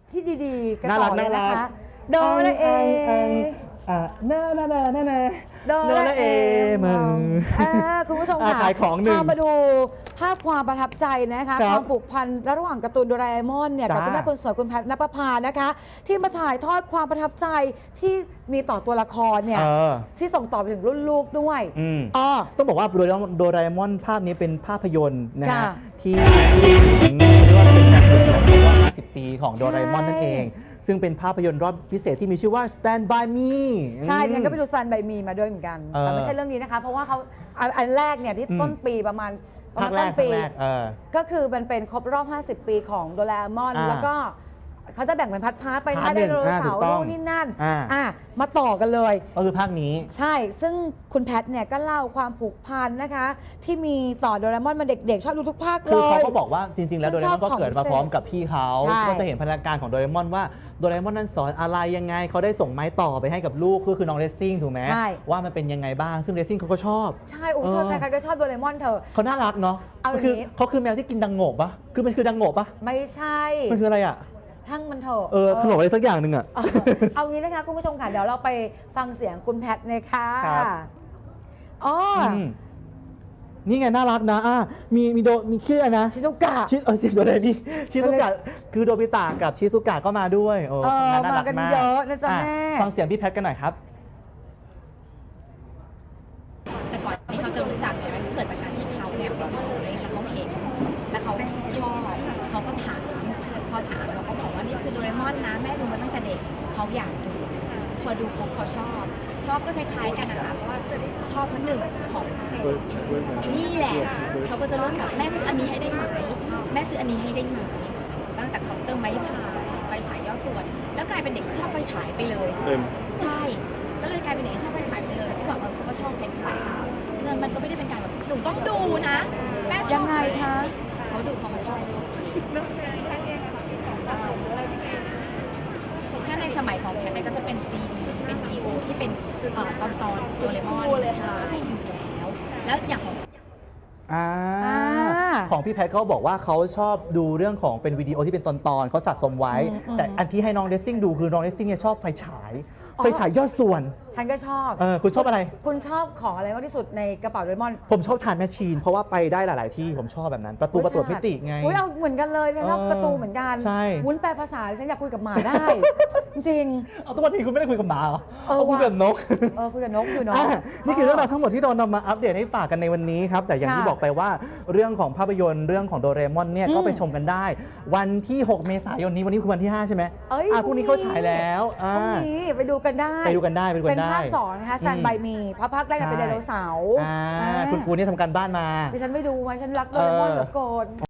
ที่ดีๆกันน่าต่รัอก เลยนะน่ารัคะกโดราเอน่าโดราเอมึงคุณผู้ชมอ่ะค่ะขายของหนึ่งพามาดูภาพความประทับใจนะคะครัคบวามผูกพันระหว่างการ์ตูนโดราเอมอนเนี่ยกับจ้าคุณแม่คนสวยคุณแพทณปภานะคะ ที่มาถ่ายทอดความประทับใจที่มีต่อตัวละครเนี่ยเออที่ส่งต่อไปถึงรุ่นลูกด้วยอืมอ๋อต้องบอกว่าโดราเอมอนภาพนี้เป็นภาพยนตร์นะฮะค่ะที่เรียกว่าเป็นการเฉลิมฉลอง50 ปีของโดราเอมอนนั่นเอง ซึ่งเป็นภาพยนตร์รอบพิเศษที่มีชื่อว่า Stand by Me ใช่ฉันก็ไปดูซันใบมีมาด้วยเหมือนกัน แต่ไม่ใช่เรื่องนี้นะคะ เพราะว่าเขาอันแรกเนี่ยที่ต้นปีประมาณภาคแรต้กนปี ก็คือมันเป็นครบรอบ 50 ปีของโดราเอมอน แล้วก็เขาจะแบ่งเป็นพาร์ทๆไปนะพาร์ทไดหนึ่งโนเสาร์ถูกต้องโน่นนี่นั่นอ่ามาต่อกันเลยก็คือภาคนี้ใช่ ซึ่งคุณแพทเนี่ยก็เล่าความผูกพันนะคะ ที่มีต่อโดราเอมอนมาเด็กๆ ชอบดูทุกภาคเลคือเขายก็บอกว่าจริงๆ แล้วฉัโดนราชเออบมอนก็เกิดมาพร้อมกับพี่เขาใช่ก็จะเห็นพัฒนาการของโดราเอมอนว่าโดราเอมอนนั้นสอนอะไรยังไงเขาได้ส่งไม้ต่อไปให้กับลูกก็คือน้องเรซซิ่งถูกไหมใช่ว่ามันเป็นยังไงบ้างซึ่งเรซซิ่งเขาก็ชอบใช่อุ้ยเธอใครๆก็ชอบโดราเอมอนเธอเขาน่ารักเนาะเอาอย่างคือนี้เขาคือแมวที่กินดังโงบปะคือมันคือดังโงบปะไม่ใช่มันคืออะไรอ่ะทั้งมันเถอะขนมอะไรสักอย่างหนึ่งอ่ะเอางี้นะคะคุณผู้ชมค่ะเดี๋ยวเราไปฟังเสียงคุณแพทเลยค่ะครับอ๋ออมนี่ไงน่ารักนะมีชื่ออะไรนะชิซุกะชิโดเรมิชิซุกะคือโดบิตะกับชิซุกะก็มาด้วยโอ้เออทำงานน่ารักมากันมากเยอะนะจ๊ะอ่แม่ฟังเสียงพี่แพทกันหน่อยครับแต่ก่อนที่เขาจะรู้จักเนี่ยมันก็เกิดจากการที่เขาเนี่ยไปซื้อของเล่นแล้วเขาเห็น แล้วเขาชอบเขาก็ถามพอถามเราก็บอกว่านี่คือโดเรมอนนะแม่ดูมาตั้งแต่เด็กเขาอยากดูพอดูปุ๊บเขาชอบก็คล้ายๆกันนะคะเพราะว่าชอบเพราะหนึ่งของพิเศษนี่แหละเขาก็จะเริ่มแบบแม่ซื้ออันนี้ให้ได้ไหมแม่ซื้ออันนี้ให้ได้ไหมตั้งแต่เคาน์เตอร์ไม้พายไฟฉายย่อส่วนแล้วกลายเป็นเด็กที่ชอบไฟฉายไปเลย ใช่ ก็เลยกลายเป็นเด็กที่ชอบไฟฉายไปเลยเขาบอกว่าเขาก็ชอบคล้ายๆเราเพราะฉะนั้นมันก็ไม่ได้เป็นการแบบหนูต้องดูนะ แม่ชอบยังไงคะเขาดูเพราะเขาชอบถ้าในสมัยของแพทเนี่ยก็จะเป็นซีดีเป็นวิดีโอที่เป็นตอนโดเรมอนใช่อยู่แล้วอย่างของอ่าของพี่แพทเขาบอกว่าเขาชอบดูเรื่องของเป็นวิดีโอที่เป็นตอนๆเขาสะสมไว้ แต่อันที่ให้น้องเรซซิ่งดูคือน้องเรซซิ่งเนี่ยชอบไฟฉายยอดส่วนฉันก็ชอบคุณชอบอะไรคุณชอบของอะไรมากที่สุดในกระเป๋าโดเรมอนผมชอบทานแมชชีนเพราะว่าไปได้หลาย ๆ ที่ผมชอบแบบนั้น ประตูมิติไงอุ้ยเอาเหมือนกันเลยฉันชอบประตูเหมือนกันใช่วุ้นแปลภาษาฉันอยากคุยกับหมาได้ จริงเอาทุกวันนี้คุณไม่ได้คุยกับหมาเหรอเออคุยกับนกคุยกับนกอยู่เนาะนี่คือเรื่องราวทั้งหมดที่เรานำมาอัปเดตให้ฝากกันในวันนี้ครับ แต่อย่างที่ค่ะบอกไปว่าเรื่องของภาพยนตร์เรื่องของโดเรมอนเนี่ยอืมก็ไปชมกันได้ วันที่ 6 เมษายนนี้วันนี้คือวันที่ 5 ใช่ไหมเอ้ยพรุ่งนี้เขาฉายแล้วพรุ่งนี้ไปดูกันได้ไปดูกันได้เป็นภาค2นะคะซันใบมีเพราะภาคแรกเป็นไดโนเสาร์คุณครูนี่ทำการบ้านมาดิฉันไม่ดูมันฉันรักโดเรมอนเหลือเกิน